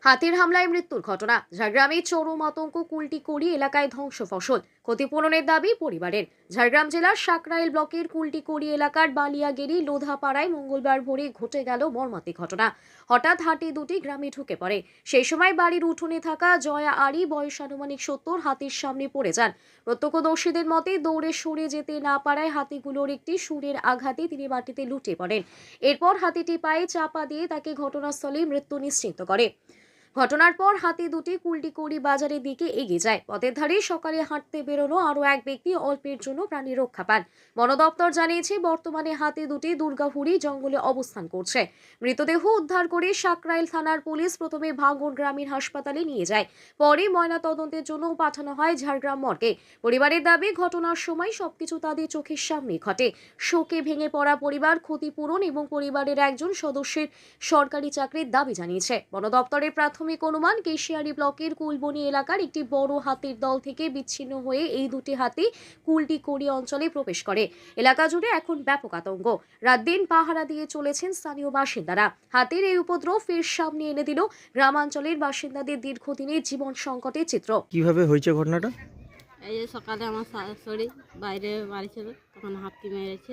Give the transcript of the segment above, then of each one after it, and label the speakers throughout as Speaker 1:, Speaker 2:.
Speaker 1: হাতির হামলায় মৃত্যুর ঘটনা। ঝাড়গ্রামে চরম আতঙ্ক, কুলটিকড়ি এলাকায় ধ্বংস ফসল, ক্ষতিপূরণের দাবি পরিবারের। ঝাড়গ্রাম জেলার সাকরাইল ব্লকের কুলটিকড়ি এলাকার বালিয়াগেরি লোধাপাড়ায় মঙ্গলবার ভোরে ঘটে গেল মর্মান্তিক ঘটনা। হঠাৎ হাতি দুটি গ্রামে ঢুকে পড়ে। সেই সময় বাড়ির উঠোনে থাকা জয়া আরি, বয়স আনুমানিক 70, হাতির সামনে পড়ে যান। প্রত্যক্ষদর্শীদের মতে দৌড়ে সরে যেতে না পারায় হাতিগুলোর একটি সুরের আঘাতে তিনি মাটিতে লুটে পড়েন। এরপর হাতিটি পায়ে চাপা দিয়ে তাকে ঘটনাস্থলেই মৃত্যু নিশ্চিত করে। ঘটনার পর হাতি দুটি কুলটিকড়ি বাজারের দিকে এগিয়ে যায়। পথের ধারে সকালে হাঁটতে বেরোনো আরও এক ব্যক্তি অল্পের জন্য প্রাণী রক্ষা পান। বন দপ্তর জানিয়েছে, বর্তমানে হাতি দুটি দুর্গাহুড়ি জঙ্গলে অবস্থান করছে। মৃতদেহ উদ্ধার করে সাকরাইল থানার পুলিশ প্রথমে ভাঙড় গ্রামীণ হাসপাতালে নিয়ে যায়, পরে ময়নাতদন্তের জন্য পাঠানো হয় ঝাড়গ্রাম মর্গে। পরিবারের দাবি, ঘটনার সময় সবকিছু তাদের চোখের সামনে ঘটে। শোকে ভেঙে পড়া পরিবার ক্ষতিপূরণ এবং পরিবারের একজন সদস্যের সরকারি চাকরির দাবি জানিয়েছে। বন দপ্তরের প্রাথমিক অনুমান, কেশিয়ারি ব্লকের কুলবনি এলাকার একটি বড় হাতির দল থেকে বিচ্ছিন্ন হয়ে এই দুটি হাতি কুলটিকড়ি অঞ্চলে প্রবেশ করে। এলাকা জুড়ে এখন ব্যাপক আতঙ্ক। রাত দিন পাহারা দিয়ে চলেছেন স্থানীয় বাসিন্দারা। হাতির এই উপদ্রব ফের সামনে এনে দিল গ্রামাঞ্চলের বাসিন্দাদের দীর্ঘদিনের জীবন সংকটের চিত্র।
Speaker 2: কিভাবে হয়েছে ঘটনাটা?
Speaker 3: এই যে সকালে আমার শাশুড়ি বাইরে বাড়ি ছিল, তখন হাতি মেরেছে।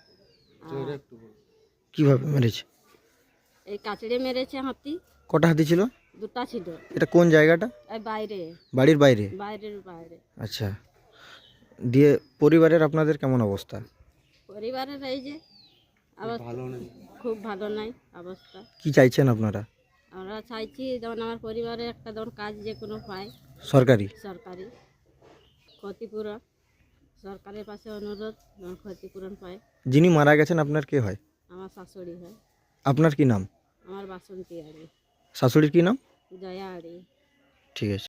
Speaker 2: কিভাবে মেরেছে?
Speaker 3: এই কাচড়ে মেরেছে হাতি।
Speaker 2: কটা হাতি ছিল?
Speaker 3: দুটা ছিল।
Speaker 2: এটা কোন জায়গাটা?
Speaker 3: এই বাইরে,
Speaker 2: বাড়ির বাইরে?
Speaker 3: বাইরের বাইরে।
Speaker 2: আচ্ছা, দিয়ে পরিবারের আপনাদের কেমন অবস্থা?
Speaker 3: পরিবারের এই যে অবস্থা খুব ভালো নাই অবস্থা।
Speaker 2: কি চাইছেন আপনারা?
Speaker 3: আমরা চাইছি যেমন আমার পরিবারে একটা যেমন কাজ যে কোনো পায়,
Speaker 2: সরকারি
Speaker 3: ক্ষতিপূরণ। সরকারের পাশে অনুরোধ, যেমন ক্ষতিপূরণ পায়।
Speaker 2: যিনি মারা গেছেন আপনার কে হয়?
Speaker 3: আমার শাশুড়ি হয়।
Speaker 2: আপনার কি নাম?
Speaker 3: আমার বাসন্তী আড়ি।
Speaker 2: শাশুড়ির কি নাম?
Speaker 3: জয়া আড়ি।
Speaker 2: ঠিক আছে।